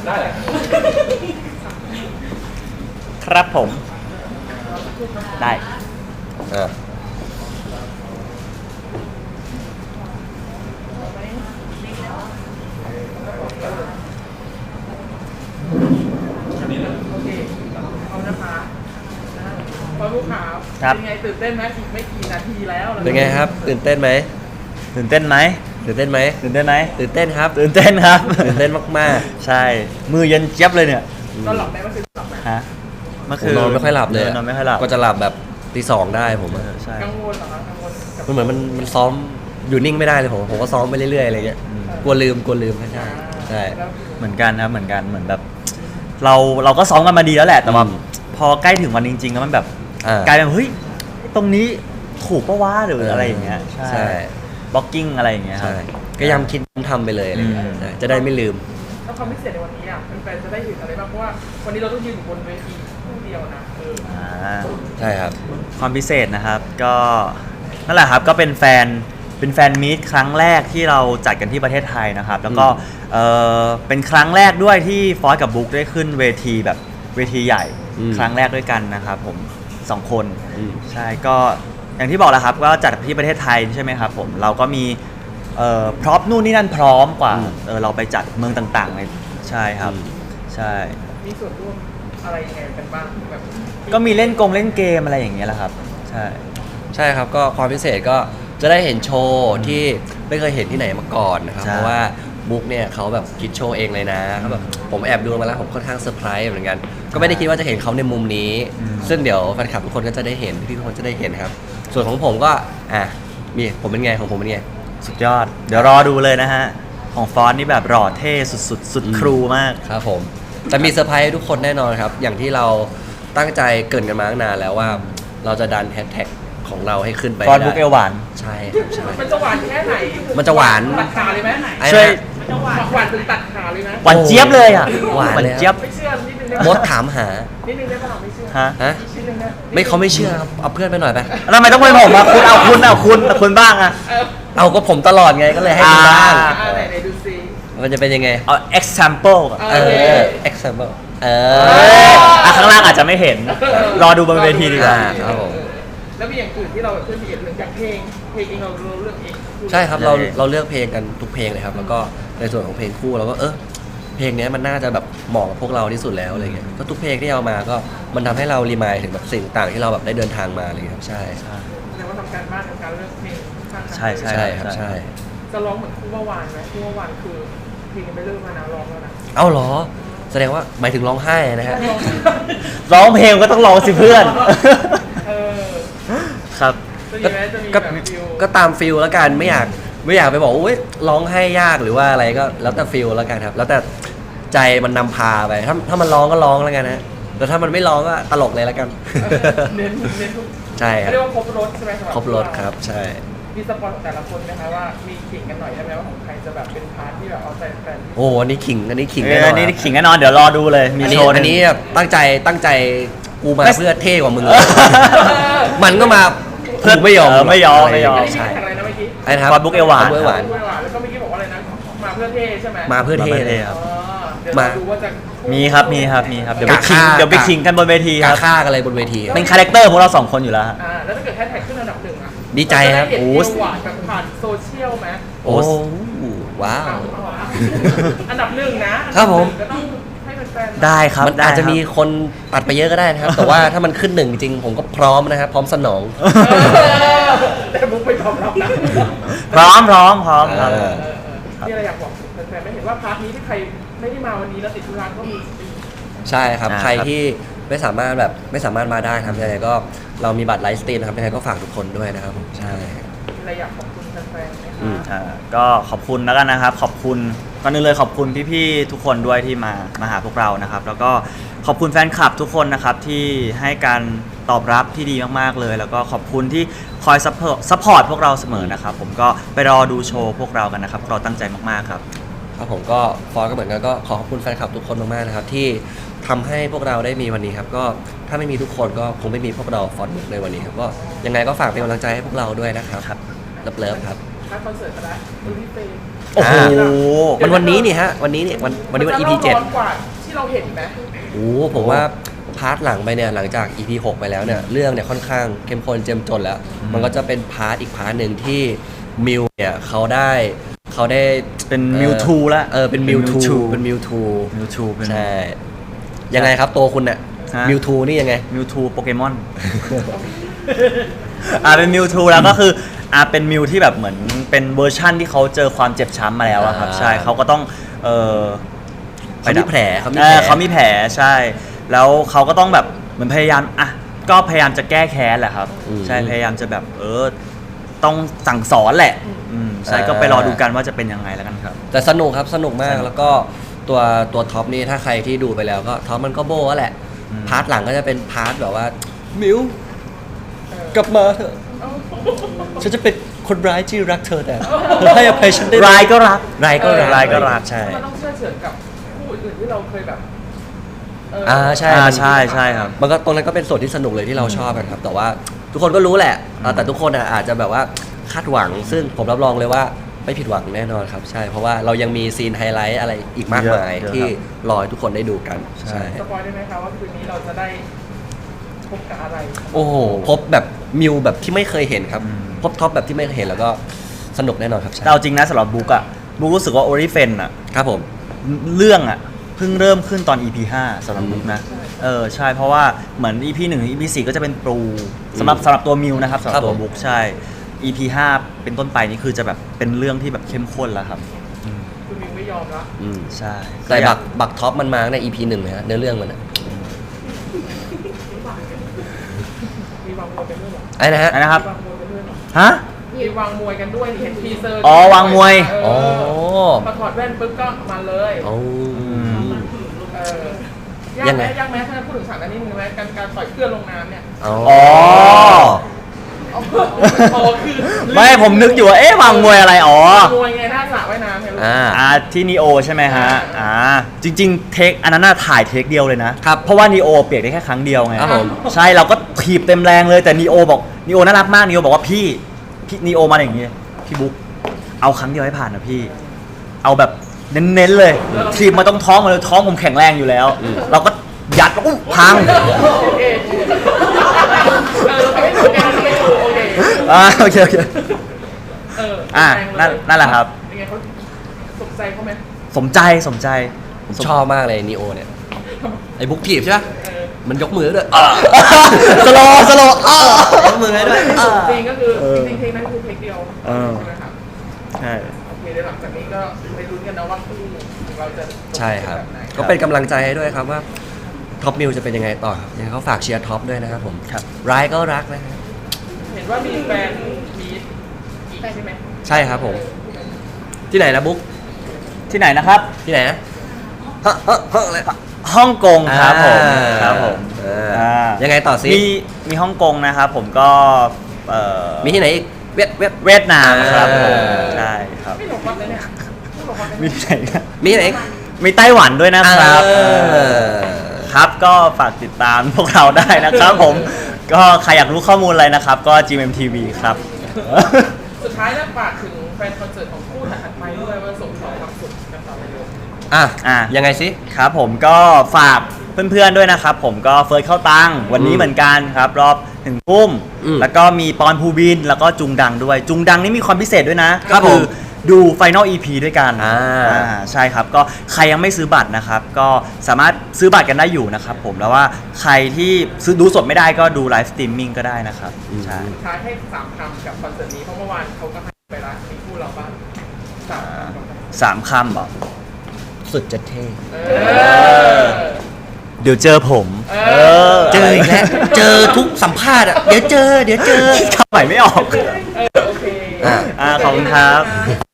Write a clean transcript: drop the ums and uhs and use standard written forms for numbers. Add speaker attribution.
Speaker 1: ได้เลย
Speaker 2: ครับผมได้
Speaker 1: โอเคเอานะคะพอลูกค้าเป็นไงตื่นเต้นไหมอีกไม่กี่นาทีแล้ว
Speaker 3: เป็นไงครับตื่นเต้นไหม
Speaker 2: ตื่นเต้นไหม
Speaker 3: ตื่นเต้นไหม
Speaker 2: ตื่นเต้นไหม
Speaker 3: ตื่นเต้นครับ
Speaker 2: ตื่นเต้นครับ
Speaker 3: ตื่นเต้นมาก
Speaker 2: ใช่มือเย็นเจี๊ยบเลยเนี่ย
Speaker 1: นอนหลับไหมเมื่อคืนหลับไหม
Speaker 2: ฮะเมื่อ
Speaker 3: ๆผ
Speaker 2: คื
Speaker 3: ม
Speaker 2: น
Speaker 3: นอนไม่ค่อยหลับเลย
Speaker 2: นอนไม่ค่อยหลับ
Speaker 3: ก็จะหลับแบบตีสองได้ผมอะ
Speaker 2: ใช่
Speaker 1: กังวลเหรอคะกังวลกับ
Speaker 3: มันเหมือนมันซ้อมอยู่นิ่งไม่ได้เลยผมก็ซ้อมไปเรื่อยๆอะไรเงี้ยกลัวลืมใช่ใช่
Speaker 1: แล้ว
Speaker 2: เหมือนกันครับเหมือนกันเหมือนแบบ เราก็ซ้อมกันมาดีแล้วแหละแต่ว่าพอใกล้ถึงวันจริงๆแล้วมันแบบ กลายเป็นเฮ้ยตรงนี้ถูกปะวะหรืออะไรอย่างเงี้ยใช่บล็อกกิ้งอะไรอย่างเงี้ยครับ
Speaker 3: ใช่ก็ย้ำคิดทำไปเลยอะไรเงี้ย
Speaker 2: อืม
Speaker 3: ใช่จะได้ไม่ลืม
Speaker 1: แล้วความพิเศษในวันนี้อ่ะแฟนๆจะได้เห็นอะไรบ้างเพราะว่าวันนี้เราต้องยืนอยู่บนเวทีคู่เดียวนะ
Speaker 3: ใช่ครับ
Speaker 2: ความพิเศษนะครับก็นั่นแหละครับก็เป็นแฟนมีตครั้งแรกที่เราจัดกันที่ประเทศไทยนะครับแล้วก็เป็นครั้งแรกด้วยที่ฟอสกับบุ๊กได้ขึ้นเวทีแบบเวทีใหญ่ ครั้งแรกด้วยกันนะครับผม2 คนใช่ก็อย่างที่บอกแล้วครับก็จัดที่ประเทศไทยใช่ไหมครับผมเราก็มีพร็อพนู่นนี่นั่นพร้อมกว่าเราไปจัดเมืองต่างๆในใช่ครับใช่
Speaker 1: มีส่วนร่วมอะไรยังไงกันบ้างแบบ
Speaker 2: ก็มีเล่นเกมอะไรอย่างเงี้ยแหละครับใช่
Speaker 3: ใช่ครับก็ความพิเศษก็จะได้เห็นโชว์ที่ไม่เคยเห็นที่ไหนมาก่อนนะครับ
Speaker 2: ใช่
Speaker 3: เพราะว่าบุ๊กเนี่ยเขาแบบคิดโชว์เองเลยนะเขาแบบผมแอบดูมาแล้วผมค่อนข้างเซอร์ไพรส์เหมือนกันก็ไม่ได้คิดว่าจะเห็นเขาในมุมนี้ ซึ่งเดี๋ยวแฟนคลับทุกคนก็จะได้เห็นพี่ทุกคนจะได้เห็นครับส่วนของผมก็มีผมเป็นไงของผมเป็นไง
Speaker 2: สุดยอดเดี๋ยวรอดูเลยนะฮะของฟอนต์นี่แบบหล่อเท่สุดๆสุดครูมาก
Speaker 3: ครับผมแต่มีเซอร์ไพรส์ให้ทุกคนแน่นอนครับอย่างที่เราตั้งใจเกรินกันมาตั้งนานแล้วว่าเราจะดันแฮชแท็กของเราให้ขึ้นไป
Speaker 2: ฟอนต์บุ๊กเอลหวาน
Speaker 3: ใช่ครับใช่
Speaker 1: มันจะหวานแค่ไหน
Speaker 3: มันจะหวาน
Speaker 1: ตัดขาเลยไหม
Speaker 3: ไอ้
Speaker 2: ช่วย
Speaker 3: นะ
Speaker 1: มันจะหวานถึงตัดขาเลยนะ
Speaker 2: หวานเจี๊ยบเลยอ่ะ
Speaker 3: หวานเลย
Speaker 2: เจี๊ยบ
Speaker 1: ไม่เชื่อนิดนึงได้
Speaker 3: ม
Speaker 1: ไหม
Speaker 3: ดถามหา
Speaker 1: นิดนึงได้ป่ะไม่เชื่อ
Speaker 2: ฮะ
Speaker 3: ฮะ
Speaker 1: นิดนึงนะ
Speaker 3: ไม่เขาไม่เชื่อครับเอาเพื่อนไปหน่อยไป
Speaker 2: แล้วทำไมต้องเป็นผมอ่ะคุณคุณบ้างอ่ะ
Speaker 3: เอาก็ผมตลอดไงก็เลยให้ดูบ้าง
Speaker 1: ไหนดูซิ
Speaker 3: มันจะเป็นยังไง
Speaker 2: เอา example อะ
Speaker 1: เออ
Speaker 3: example
Speaker 2: ข้างล่างอาจจะไม่เห็น รอดูบนเวทีดีกว่า
Speaker 3: ครับผม
Speaker 1: แล้วมีอย่างอื่นที่เราเพื่อนมีเรื่องจากเพลงเองเราเลือกเอง
Speaker 3: ใช่ครับเราเลือกเพลงกันทุกเพลงเลยครับแล้วก็ในส่วนของเพลงคู่เราก็เพลงนี้มันน่าจะแบบเหมาะกับพวกเราที่สุดแล้วอะไรเงี้ยก็ทุกเพลงที่เอามาก็มันทำให้เรารีมายถึงแบบสิ่งต่างที่เราแบบได้เดินทางมาอะไรเงี้ยครับใช่
Speaker 1: แสดงว่าทำการบ้านในการเลือกเพลงค่อนข้าง
Speaker 2: ใช่
Speaker 3: ใช่ครับใช่
Speaker 1: จะร้องเหมือนคู่เมื่อวานไหมคู่เมื่อวานคือเพลงยังไม่เริ่มมานะร้องแล้วนะ
Speaker 3: เอ้าเหรอแสดงว่าหมายถึงร้องไห้นะฮะ
Speaker 2: ร้องเพลงก็ต้องร้องสิเพื่อน
Speaker 1: เออ
Speaker 2: ครับ
Speaker 1: จะมีไหมจะมี
Speaker 3: ก็
Speaker 1: แบบฟิล
Speaker 3: ก็ตามฟิลแล้วกันไม่อยากไปบอกอุ้ยร้องไห้ยากหรือว่าอะไรก็แล้วแต่ฟิลแล้วกันครับ แล้วแต่ใจมันนำพาไปถ้ามันร้องก็ร้องแล้วกันฮะแต่ถ้ามันไม่ร้องก็ตลกเลยแล้วกัน
Speaker 1: เน้นทุก
Speaker 3: ใช่ครับ
Speaker 1: เรียกว่าครบรถใช่ไหมสำห
Speaker 3: ครบรถครับใช่
Speaker 1: มีสปอนของแต่ละคนไหมคะว่ามีขิงกันหน่อยได้ไหมว่าของใครจะแบบเป็นพาร์ทที่แบบเอาใจแฟน
Speaker 3: โอ้อันนี้ขิงแน่น
Speaker 2: อั
Speaker 3: อน
Speaker 2: นนี้ขิงแน่นอนเดี๋ยวรอดูเลยมี
Speaker 3: อัน
Speaker 2: โช
Speaker 3: นี้
Speaker 2: ว์ห
Speaker 3: อั
Speaker 2: นึ่
Speaker 3: น
Speaker 2: ง
Speaker 3: นี้แบบตั้งใจกูมา
Speaker 2: ไม่
Speaker 3: เพื่อเท่กว่ามึงเลย มันก็มาเพื่อไม่ยอม
Speaker 2: ไม่ยอม
Speaker 1: อันนี้มี
Speaker 3: ใช่
Speaker 1: แข่งอะไรนะเมื่อกี้
Speaker 3: ไอ้นะครับ
Speaker 2: ฟอนต์บุ๊กเอลหวาน
Speaker 3: บุ๊กเอลหวาน
Speaker 1: ด้วยว่ะแล้วก็เมื่อกี้บอกว่าอะไรนะมาเพื่อเท่ใช่ไหม
Speaker 3: มาเพื่อเท่เลย
Speaker 2: ครับ
Speaker 1: อ๋อเดี๋ยวเราดูว่าจะ
Speaker 2: มีครับเดี๋ยวไปขิง
Speaker 3: กะฆ่า
Speaker 2: เดี๋ยวไปขิงกันบนเวทีค
Speaker 3: กา
Speaker 2: รับ
Speaker 3: ฆ่ากันเลยบนเวที
Speaker 2: เป็นคาแรคเตอร์พวกเรา2 คนอยู่แล้วฮะ
Speaker 1: แล้วถ้าเกิดแฮชแท็กขึ้นอันดับหนึ่งอ่ะ
Speaker 3: ดีใจครับ
Speaker 1: เาจะได้เห็น
Speaker 2: โอ้
Speaker 1: เอวหวานแบบผ่านโซเชียลไหม
Speaker 3: โอ้ว้าว
Speaker 1: อันดับหนึ่งนะครับ
Speaker 3: ผม
Speaker 1: ก็ต้องให้แฟนๆ
Speaker 2: ได้ครับ
Speaker 3: มันอาจจะ
Speaker 2: ได้ครับ
Speaker 3: มีคนตัดไปเยอะก็ได้นะครับ แต่ว่าถ้ามันขึ้นหนึ่งจริงผมก็พร้อมนะครับพร้อมสนอง
Speaker 1: แต่บุ๊กไม่ยอมรับนะ
Speaker 2: พร้อมครับ
Speaker 1: นี่อะไรอยากบอกแฟนๆไม่เห็นว่าพาร์ทนี้ที่ใครไม่ได้มาวันนี้แล้วติดธุระก็มี
Speaker 3: ใช่ครับ
Speaker 2: อ่า
Speaker 3: ใคร
Speaker 2: ครับ
Speaker 3: ที่ไม่สามารถมาได้ครับยังไงก็เรามีบัตรไลฟ์สตรีมนะครับยังไงก็ฝากทุกคนด้วยนะครับผมใช่
Speaker 1: มีอะไรอยากขอบคุณแฟนๆไหม
Speaker 2: ก็ขอบคุณแล้วกันนะครับขอบคุณก่อนอื่นเลยขอบคุณพี่ๆทุกคนด้วยที่มาหาพวกเรานะครับแล้วก็ขอบคุณแฟนคลับทุกคนนะครับที่ให้การตอบรับที่ดีมากๆเลย แล้วก็ขอบคุณที่คอยซัพพอร์ตพวกเราเสมอนะครับผมก็ไปรอดูโชว์พวกเรากันนะครับพวกเราตั้งใจมากๆครับ
Speaker 3: ครับผมก็ฟอสก็เหมือนกันก็ขอขอบคุณแฟนคลับทุกคนมากๆนะครับที่ทำให้พวกเราได้มีวันนี้ครับก็ถ้าไม่มีทุกคนก็คงไม่มีพวกเราฟอสในวันนี้ครับก็ยังไงก็ฝากเป็นกำลังใจให้พวกเราด้วยนะครับเลิฟๆครับ
Speaker 1: ถ้าคอนเสิร์ตก็ได้ดูที่เฟรม
Speaker 2: โอ้โห
Speaker 3: มันวันนี้นี่ฮะวันนี้นี่วันนี้วัน EP 7
Speaker 1: ร้อนกว่าที่เราเห็นไหม
Speaker 3: โอ้ผมว่าพาร์ทหลังไปเนี่ยหลังจาก EP 6 ไปแล้วเนี่ยเรื่องเนี่ยค่อนข้างเข้มข้นเจ้มจนแล้ว มันก็จะเป็นพาร์ทอีกพาร์ทหนึ่งที่มิวเนี่ยเขาได้
Speaker 2: เป็นมิวทูแล้ว
Speaker 3: เป็นมิวทูเป็นมิวทู
Speaker 2: มิวทูเป็น
Speaker 3: ใช่ยังไงครับตัวคุณเนี่ย
Speaker 2: ฮะ
Speaker 3: มิวทูนี่ยังไง
Speaker 2: มิวทูโปเกมอน เป็นมิวทูแล้วก็คือเป็นมิวที่แบบเหมือนเป็นเวอร์ชั่นที่เขาเจอความเจ็บช้ำมาแล้วอะครับ ใช่เขาก็ต้อง
Speaker 3: เขามีแผล
Speaker 2: เขามีแผลใช่ แล้วเขาก็ต้องแบบเหมือนพยายามก็พยายามจะแก้แค้นแหละครับใช่พยายามจะแบบต้องสั่งสอนแหละใช่ก็ไปรอดูกันว่าจะเป็นยังไงแล้วกันครับ
Speaker 3: แต่สนุกครับสนุกมากแล้วก็ตัวท็อปนี่ถ้าใครที่ดูไปแล้วก็ท็อปมันก็โบ้แหละพาร์ทหลังก็จะเป็นพาร์ทแบบว่ามิวกลับมาเถอะฉันจะเป็นคนร้ายที่รักเธอแต่เธอให้อภัยฉันได้
Speaker 2: ร้ายก็รัก
Speaker 3: ร้ายก็รัก
Speaker 2: ร้ายก็รัก
Speaker 3: ใช่
Speaker 1: มันต้องเชื่อเฉือนกับคู่อื่นๆที่เราเคยแบบ
Speaker 3: ใช่
Speaker 2: ใช่ครับ
Speaker 3: มันก็ตรงนั้นก็เป็นส่วนที่สนุกเลยที่เราชอบกันครับแต่ว่าทุกคนก็รู้แหละแต่ทุกคนอาจจะแบบว่าคาดหวังซึ่งผมรับรองเลยว่าไม่ผิดหวังแน่นอนครับใช่เพราะว่าเรายังมีซีนไฮไลท์อะไรอีกมากมาย
Speaker 2: เยอะ
Speaker 3: ที่รอให้ทุกคนได้ดูกัน
Speaker 2: ใช่
Speaker 1: สปอยได้ไหมคะว่าคืนนี้เราจะได้พบกับอะไร
Speaker 3: โอ้โหพบแบบมิวแบบที่ไม่เคยเห็นครับพบท็อปแบบที่ไม่เคยเห็นแล้วก็สนุกแน่นอนครับใช่
Speaker 2: แต่เอาจริงนะสำหรับบุ๊กรู้สึกว่าโอริเฟน
Speaker 3: ครับผม
Speaker 2: เรื่องเพิ่งเริ่มขึ้นตอน EP 5สำหรับบุ๊กนะใช่เพราะว่าเหมือน EP 1 EP 4ก็จะเป็นปูสำหรับตัวมิวนะครับสำหรับตัวบุ๊กใช่ EP 5เป็นต้นไปนี่คือจะแบบเป็นเรื่องที่แบบเข้มข้นแล้วครับ
Speaker 1: คุณมิวไม่ยอมละ
Speaker 2: ใช่
Speaker 3: แต่บักท็อปมันมาใน EP 1เลยฮะเนื้อเรื่องมันอะ
Speaker 1: มีวางมวยกันด้วยเหรอ
Speaker 3: ไอ้นะฮะ
Speaker 2: นะครับ
Speaker 1: วางมวยกันด้วยเหรอ
Speaker 2: ฮะ
Speaker 1: มีวางมวยกันด้วยเห็นทีเซอร์
Speaker 2: อ๋อวางมวย
Speaker 1: พอถอดแว่นปุ๊บก็มาเลย
Speaker 3: โอ้
Speaker 1: ยากไหมยากไหมถ้าพูดถึงฉากนั้นนิดนึงไหมการต่อยเพื่อนลงน้ำเนี่ย
Speaker 3: อ๋อ
Speaker 1: คือ
Speaker 2: ไม่ผมนึกอยู่ว่าวางมวยอะไรอ๋อ
Speaker 1: มวยไงหน้าสระว่ายน้ำเห็นไหม
Speaker 2: ที่นีโอใช่ไหมฮะจริงๆเทคอันนั้นถ่ายเทคเดียวเลยนะครับ เพราะว่านีโอเปียกได้แค่ครั้งเดียวไง
Speaker 3: ครับผม
Speaker 2: ใช่เราก็ถีบเต็มแรงเลยแต่นีโอบอกนีโอน่ารักมากนีโอบอกว่าพี่นีโอมาอย่างงี้พี่บุ๊กเอาครั้งเดียวให้ผ่านนะพี่เอาแบบเน้นๆเลยถีบมาตรงท้องมาเลยท้องผมแข็งแรงอยู่แล้ว เราก็ยัดแล้วก็พัง โอเคนั่นแหละครับ
Speaker 1: เป็นไงเขาสนใจเขาไหม
Speaker 2: สมใจ
Speaker 3: ผมชอบมากเลยนีโอเนี่ยไอ้บุ๊กถีบใช่ไหมมันยกมือด้วย
Speaker 2: สโล
Speaker 3: ยกมือให้ด้วย
Speaker 1: จริงก็คือจริงเทคนั้นคือเทคเดียวใช่ไหมครับ
Speaker 2: ใช่
Speaker 1: โอเคเดี๋ยวหลังจากนี้ก็ไปลุ้นกันนะว่าคู่เราจะ
Speaker 3: ใช่ครับ
Speaker 1: แบบไหน
Speaker 3: ก็เป็นกำลังใจให้ด้วยครับว่าท็อปมิวจะเป็นยังไงต่อครับยังไงเขาฝากเชียร์ท็อปด้วยนะครับผมร้ายก็รักนะครับ
Speaker 1: เห็นว่ามีแฟนมีอีกใช่ไหม
Speaker 3: ใช่ครับผมที่ไหนนะบุ๊ก
Speaker 2: ที่ไหนนะครับ
Speaker 3: ที่ไหนนะอะไร
Speaker 2: ฮ่องกงครับผม
Speaker 3: ครับผมยังไงต่อซิ
Speaker 2: มีฮ่องกงนะครับผมก็
Speaker 3: มีที่ไหนอีก
Speaker 2: เวียดนามครับผมใช่ครับ
Speaker 1: ไม่หลงวัดเลยเนี่ยไม่หลงวัดเลย
Speaker 2: มีที่ไหนครับ
Speaker 3: มีที่ไหนอีก
Speaker 2: มีไต้หวันด้วยนะครับครับก็ฝากติดตามพวกเราได้นะครับผมก็ใครอยากรู้ข้อมูลอะไรนะครับก็ GMMTV ครับ
Speaker 1: สุดท้ายแล้วฝากถึงแฟนคอนเสิร์ตของคู่ถัดไปด้วยว่าส่งต่อความสุขกันต่อไปเลย
Speaker 3: ยังไงซิ
Speaker 2: ครับผมก็ฝากเพื่อนๆด้วยนะครับผมก็เฟิร์สเข้าตังวันนี้เหมือนกันครับรอบถึงทุ่มแล้วก็มีปอนภูบินแล้วก็จุงดังด้วยจุงดังนี่มีความพิเศษด้วยนะก็คือดู Final EP ด้วยกันใช่ครับก็ใครยังไม่ซื้อบัตรนะครับก็สามารถซื้อบัตรกันได้อยู่นะครับผมแล้วว่าใครที่ซื้อดูสดไม่ได้ก็ดูไลฟ์สตรีมมิ่งก็ได้นะครับใช่
Speaker 1: ท้ายให้3 คำกับคอนเสิร์ตนี้เพราะเมื่อวานเขาก็ให้ไปละมีคู่เราบ้าง
Speaker 2: 3 คำบอก
Speaker 3: สุดจะเท่
Speaker 2: เดี๋ยวเจอผม
Speaker 3: เจออีกแล้วเจอทุกสัมภาษณ์เดี๋ยวเจอ
Speaker 2: คำใหม่ไม่ออก
Speaker 1: โอเค
Speaker 2: ขอบคุณครับ